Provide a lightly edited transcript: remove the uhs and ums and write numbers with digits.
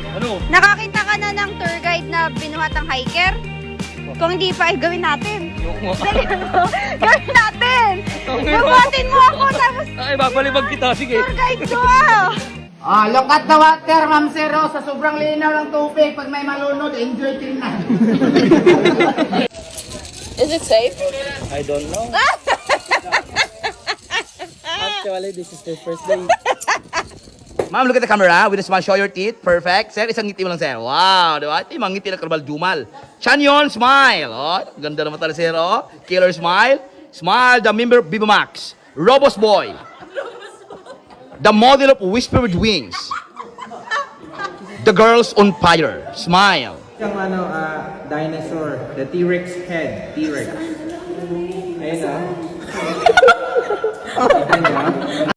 Ano? Nakakita ka na ng tour guide na binuhatang hiker? Kung hindi pa, gawin natin. Dali mo. Gawin natin. Bubuhatin mo ako, tapos Ay, babalibag kita. Sige. tour guide ko. Look at the water, Ma'am Zero. Sa sobrang linaw ng tubig, pag may malunod, enjoy tingnan. Is it safe? I don't know. Actually, this is the first day. Ma'am, look at the camera with a smile. Show your teeth. Perfect. Sir, isang ngiti mo lang, sir. Wow, di ba? Ito yung mga ngiti na karbal-dumal. Chanyon, smile. Oh, ganda naman talaga, sir. Oh. Killer smile. Smile, the member of Viva Max. Robos Boy. The model of Whisper with Wings. The girls on fire. Smile. Yung dinosaur, the T-Rex head, T-Rex. Ayun Kita niyo?